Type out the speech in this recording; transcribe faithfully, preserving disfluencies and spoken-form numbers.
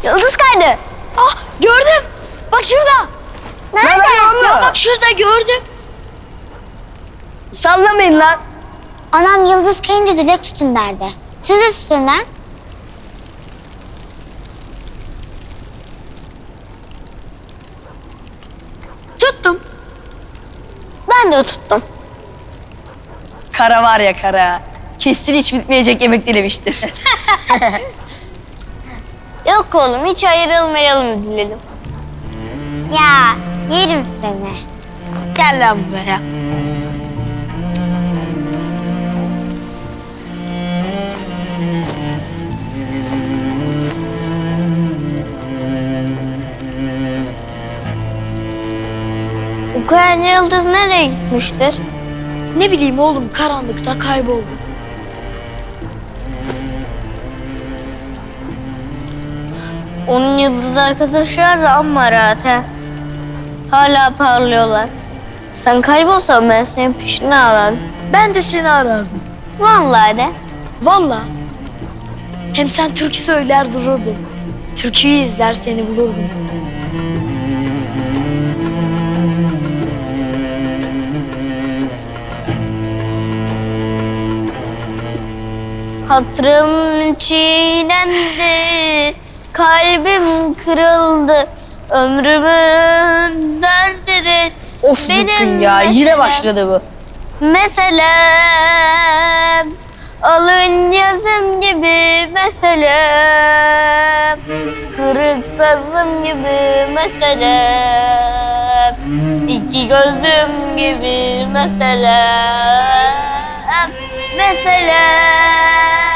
Yıldız kaydı. Ah gördüm. Bak şurada. Nerede? Ya bak şurada gördüm. Sallamayın lan. Anam yıldız kayınca dilek tutun derdi. Siz de tutun lan. Tuttum. Ben de tuttum. Kara var ya kara. Kesin hiç bitmeyecek yemek dilemiştir. Yok oğlum hiç ayrılmayalım diledim. Ya yerim seni. Gel lan buraya. Bu kayan yıldız nereye gitmiştir? Ne bileyim oğlum karanlıkta kayboldu. Onun yıldız arkadaşlar da amma rahat he. Hala parlıyorlar. Sen kaybolsan ben senin peşine ararım. Ben de seni arardım. Vallahi de. Vallahi. Hem sen türkü söyler dururdun. Türküyü izler seni bulurdum. Hatırım çiğnendi, kalbim kırıldı. Ömrümün derdidir. Of zıkkın Benim ya. Yine meselem. başladı bu. Meselem, alın yazım gibi meselem, kırık sazım gibi meselem, iki gözlüm gibi meselem, meselem.